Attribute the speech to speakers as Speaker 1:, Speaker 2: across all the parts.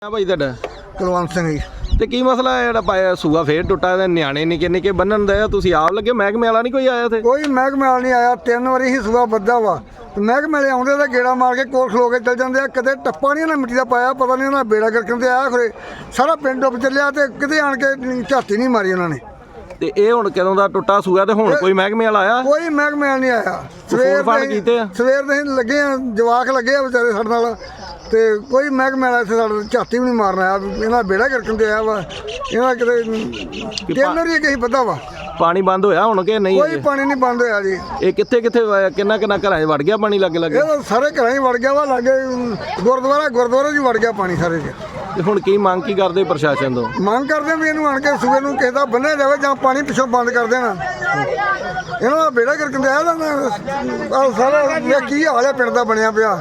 Speaker 1: ਭਾਈ ਤੁਹਾਡਾ
Speaker 2: ਕੁਲਵੰਤ ਸਿੰਘ ਜੀ।
Speaker 1: ਤੇ ਕੀ ਮਸਲਾ ਹੈ ਜਿਹੜਾ ਪਾਇਆ ਸੂਆ ਫੇਰ ਟੁੱਟਾ ਤੇ ਨਿਆਣੇ ਨਿੱਕੇ ਨਿੱਕੇ ਬੰਨਣ ਦੇ ਤੁਸੀਂ ਆਪ ਲੱਗੇ ਮਹਿਕਮੇ ਵਾਲਾ ਨਹੀਂ ਕੋਈ ਆਇਆ ਤੇ
Speaker 2: ਕੋਈ ਮਹਿਕਮੇ ਵਾਲਾ ਨਹੀਂ ਆਇਆ। 3 ਵਾਰੀ ਹੀ ਸੂਆ ਵੱਧਾ ਵਾ ਤੇ ਮਹਿਕਮੇ ਵਾਲੇ ਆਉਂਦੇ ਤਾਂ ਗੇੜਾ ਮਾਰ ਕੇ ਕੋਲ ਖਲੋ ਕੇ ਚੱਲ ਜਾਂਦੇ ਆ। ਕਦੇ ਟੱਪਾ ਨਹੀਂ ਉਹਨਾਂ ਮਿੱਟੀ ਦਾ ਪਾਇਆ, ਪਤਾ ਨਹੀਂ ਉਹਨਾਂ ਬੇੜਾ ਕਰਕੇ ਤੇ ਆਇਆ ਖਰੇ ਸਾਰਾ ਪਿੰਡ ਡੁੱਬ ਚੱਲਿਆ ਤੇ ਕਿਤੇ ਆਣ ਕੇ ਝਾਤੀ ਨਹੀਂ ਮਾਰੀ ਉਹਨਾਂ ਨੇ।
Speaker 1: ਤੇ ਇਹ ਹੁਣ ਕਦੋਂ ਦਾ ਟੁੱਟਾ ਸੂਆ ਤੇ ਹੁਣ ਕੋਈ ਮਹਿਕਮੇ ਵਾਲਾ ਆਇਆ?
Speaker 2: ਕੋਈ ਮਹਿਕਮੇ ਵਾਲਾ ਨਹੀਂ ਆਇਆ।
Speaker 1: ਫੋਨ ਕੀਤੇ ਆ?
Speaker 2: ਸਵੇਰ ਦੇ ਅਸੀਂ ਲੱਗੇ ਆ, ਜਵਾਕ ਲੱਗੇ ਆ ਵਿਚਾਰੇ ਸਾਡੇ ਨਾਲ ਤੇ ਕੋਈ ਮਹਿਕਮੇ ਵਾਲਾ ਇੱਥੇ ਸਾਡੇ ਝਾਤੀ ਵੀ ਨਹੀਂ ਮਾਰਨ ਆਇਆ। ਇਹਨਾਂ ਬੇੜਾ ਕਰਕੇ ਤੇ ਆਇਆ ਵਾ। ਇਹਨਾਂ ਕਿਤੇ 3 ਵਾਰੀ ਕਹੀ ਵੱਧਾ ਵਾ।
Speaker 1: ਪਾਣੀ ਬੰਦ ਹੋਇਆ ਹੁਣ ਕਿ ਨਹੀਂ?
Speaker 2: ਕੋਈ ਪਾਣੀ ਨਹੀਂ ਬੰਦ ਹੋਇਆ ਜੀ।
Speaker 1: ਇਹ ਕਿੱਥੇ ਕਿੱਥੇ ਕਿੰਨਾ ਕਿੰਨਾ ਘਰਾਂ 'ਚ ਵੜ ਗਿਆ ਪਾਣੀ ਲੱਗੇ ਲੱਗੇ?
Speaker 2: ਇਹ ਤਾਂ ਸਾਰੇ ਘਰਾਂ 'ਚ ਵੜ ਗਿਆ ਵਾ। ਲਾਗੇ ਗੁਰਦੁਆਰੇ 'ਚ ਵੜ ਗਿਆ ਪਾਣੀ ਸਾਰੇ 'ਚ।
Speaker 1: ਤੇ ਹੁਣ ਕੀ ਮੰਗ ਕੀ ਕਰਦੇ ਪ੍ਰਸ਼ਾਸਨ ਤੋਂ?
Speaker 2: ਮੰਗ ਕਰਦੇ ਵੀ ਇਹਨੂੰ ਆਣ ਕੇ ਸੂਏ ਨੂੰ ਕਿਸੇ ਦਾ ਬੰਨਿਆ ਜਾਵੇ ਜਾਂ ਪਾਣੀ ਪਿੱਛੋਂ ਬੰਦ ਕਰ ਦੇਣਾ। ਇਹਨਾਂ ਦਾ ਬੇੜਾ ਕਰਕੇ ਆਇਆ ਤਾਂ ਸਾਰਾ ਕੀ ਹਾਲ ਹੈ ਪਿੰਡ ਦਾ ਬਣਿਆ ਪਿਆ।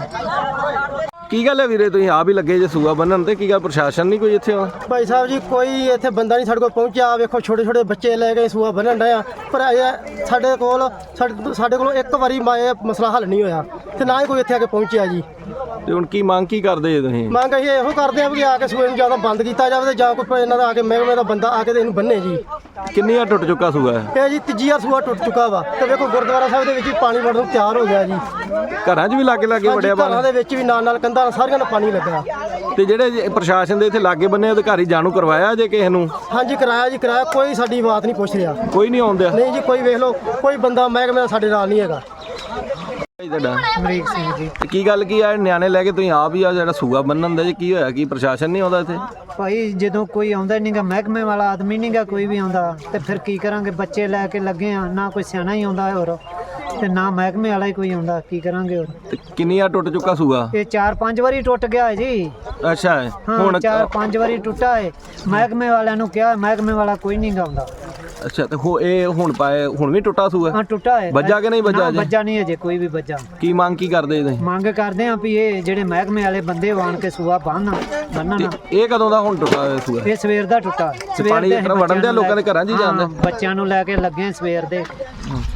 Speaker 1: ਕੀ ਗੱਲ ਹੈ ਵੀਰੇ, ਤੁਸੀਂ ਆਪ ਹੀ ਲੱਗੇ ਜੇ ਸੂਆ ਬੰਨਣ ਤੇ? ਕੀ ਗੱਲ ਪ੍ਰਸ਼ਾਸਨ ਨਹੀਂ ਕੋਈ ਇੱਥੇ?
Speaker 3: ਭਾਈ ਸਾਹਿਬ ਜੀ ਕੋਈ ਇੱਥੇ ਬੰਦਾ ਨਹੀਂ ਸਾਡੇ ਕੋਲ ਪਹੁੰਚਿਆ। ਵੇਖੋ ਛੋਟੇ ਛੋਟੇ ਬੱਚੇ ਲੈ ਕੇ ਸੂਆ ਬੰਨਣ ਡਏ ਆ, ਪਰ ਇਹ ਸਾਡੇ ਕੋਲ ਇੱਕ ਵਾਰੀ ਇਹ ਮਸਲਾ ਹੱਲ ਨਹੀਂ ਹੋਇਆ ਤੇ ਨਾ ਹੀ ਕੋਈ ਇੱਥੇ ਆ ਕੇ ਪਹੁੰਚਿਆ ਜੀ।
Speaker 1: ਤੇ ਹੁਣ ਕੀ ਮੰਗ ਕੀ ਕਰਦੇ ਜੇ ਤੁਸੀਂ?
Speaker 3: ਮੰਗ ਅਸੀਂ ਇਹੋ ਕਰਦੇ ਆ ਵੀ ਆ ਕੇ ਸੂਏ ਨੂੰ ਜਾਂ ਤਾਂ ਬੰਦ ਕੀਤਾ ਜਾਵੇ ਤੇ ਜਾਂ ਕੋਈ ਇਹਨਾਂ ਦਾ ਆ ਕੇ ਮਹਿਕਮੇ ਦਾ ਬੰਦਾ ਆ ਕੇ ਤੇ ਇਹਨੂੰ ਬੰਨੇ ਜੀ।
Speaker 1: ਕਿੰਨੀ ਵਾਰ ਟੁੱਟ ਚੁੱਕਾ ਸੂਆ ਹੈ?
Speaker 3: ਇਹ ਜੀ ਤੀਜੀ ਵਾਰ ਸੂਆ ਟੁੱਟ ਚੁੱਕਾ ਵਾ ਤੇ ਵੇਖੋ ਗੁਰਦੁਆਰਾ ਸਾਹਿਬ ਦੇ ਵਿੱਚ ਵੀ ਪਾਣੀ ਵੜਨ ਨੂੰ ਤਿਆਰ ਹੋ ਗਿਆ ਜੀ।
Speaker 1: ਘਰਾਂ 'ਚ ਵੀ ਲਾਗੇ ਲਾਗੇ ਵੜਿਆ
Speaker 3: ਘਰਾਂ
Speaker 1: ਪਾਣੀ?
Speaker 3: ਦੇ ਵਿੱਚ ਵੀ ਨਾਲ ਕੰਧਾਂ ਸਾਰੀਆਂ ਨੂੰ ਪਾਣੀ ਲੱਗਾ।
Speaker 1: ਤੇ ਜਿਹੜੇ ਪ੍ਰਸ਼ਾਸਨ ਦੇ ਇੱਥੇ ਲਾਗੇ ਬੰਨੇ ਅਧਿਕਾਰੀ ਜਾਣੂ ਕਰਵਾਇਆ ਜੇ ਕਿਸੇ ਨੂੰ?
Speaker 3: ਹਾਂਜੀ ਕਰਾਇਆ ਜੀ, ਕਰਾਇਆ। ਕੋਈ ਸਾਡੀ ਬਾਤ ਨਹੀਂ ਪੁੱਛ ਰਿਹਾ।
Speaker 1: ਕੋਈ ਨਹੀਂ ਆਉਂਦਾ?
Speaker 3: ਨਹੀਂ ਜੀ, ਕੋਈ ਵੇਖ ਲਓ ਕੋਈ ਬੰਦਾ ਮਹਿਕਮੇ ਦਾ ਸਾਡੇ ਨਾਲ ਨਹੀਂ ਹੈਗਾ।
Speaker 1: ਤੁਹਾਡਾ
Speaker 3: ਅਮਰੀਕ ਸਿੰਘ ਜੀ।
Speaker 1: ਤੇ ਕੀ ਗੱਲ ਕੀ ਆ ਨਿਆਣੇ ਲੈ ਕੇ ਤੁਸੀਂ ਆਪ ਹੀ ਆ ਜਿਹੜਾ ਸੂਆ ਬੰਨਣ ਦਾ ਜੀ? ਕੀ ਹੋਇਆ? ਕੀ ਪ੍ਰਸ਼ਾਸਨ ਨਹੀਂ ਆਉਂਦਾ ਇੱਥੇ?
Speaker 4: ਭਾਈ ਜਦੋਂ ਕੋਈ ਆਉਂਦਾ ਨਹੀਂਗਾ, ਮਹਿਕਮੇ ਵਾਲਾ ਆਦਮੀ ਨਹੀਂਗਾ ਕੋਈ ਵੀ ਆਉਂਦਾ ਤੇ ਫਿਰ ਕੀ ਕਰਾਂਗੇ? ਬੱਚੇ ਲੈ ਕੇ ਲੱਗੇ ਆ, ਨਾ ਕੋਈ ਸਿਆਣਾ ਹੀ ਆਉਂਦਾ ਹੋਰ ਤੇ ਨਾ ਮਹਿਕਮੇ ਵਾਲਾ ਹੀ ਕੋਈ ਆਉਂਦਾ, ਕੀ ਕਰਾਂਗੇ ਹੋਰ?
Speaker 1: ਤੇ ਕਿੰਨੀ ਆ ਟੁੱਟ ਚੁੱਕਾ ਸੂਆ?
Speaker 4: ਇਹ 4-5 ਵਾਰੀ ਟੁੱਟ ਗਿਆ ਹੈ ਜੀ।
Speaker 1: ਅੱਛਾ
Speaker 4: ਹਾਂ,
Speaker 1: ਹੁਣ
Speaker 4: 4-5 ਵਾਰੀ ਟੁੱਟਾ ਹੈ। ਮਹਿਕਮੇ ਵਾਲਿਆਂ ਨੂੰ ਕਿਹਾ, ਮਹਿਕਮੇ ਵਾਲਾ ਕੋਈ ਨਹੀਂਗਾ ਆਉਂਦਾ।
Speaker 1: ਅੱਛਾ ਤੇ ਇਹ ਹੁਣ ਪਾਏ ਹੁਣ ਵੀ ਟੁੱਟਾ ਸੂਆ?
Speaker 4: ਹਾਂ ਟੁੱਟਾ ਹੈ।
Speaker 1: ਵੱਜਾ ਕਿ ਨਹੀਂ ਵੱਜਾ
Speaker 4: ਨਾ,
Speaker 1: ਅਜੇ?
Speaker 4: ਵੱਜਾ ਨਹੀਂ ਅਜੇ ਕੋਈ ਵੀ ਵੱਜਾ।
Speaker 1: ਕੀ ਮੰਗ ਕੀ ਕਰਦੇ ਤੁਸੀਂ?
Speaker 4: ਮੰਗ ਕਰਦੇ ਆ ਵੀ ਇਹ ਜਿਹੜੇ ਮਹਿਕਮੇ ਵਾਲੇ ਬੰਦੇ ਆਣ ਕੇ ਸੂਆ ਬੰਨਣ।
Speaker 1: ਤੇ ਇਹ ਕਦੋਂ ਦਾ ਹੁਣ ਟੁੱਟਾ ਹੋਇਆ ਸੂਆ?
Speaker 4: ਇਹ ਸਵੇਰ ਦਾ ਟੁੱਟਾ।
Speaker 1: ਪਾਣੀ ਇਸ ਤਰ੍ਹਾਂ ਵੜਨ ਦੇ ਲੋਕਾਂ ਦੇ ਘਰਾਂ 'ਚ ਹੀ ਜਾਂਦਾ?
Speaker 4: ਬੱਚਿਆਂ ਨੂੰ ਲੈ ਕੇ ਲੱਗੇ ਸਵੇਰ ਦੇ।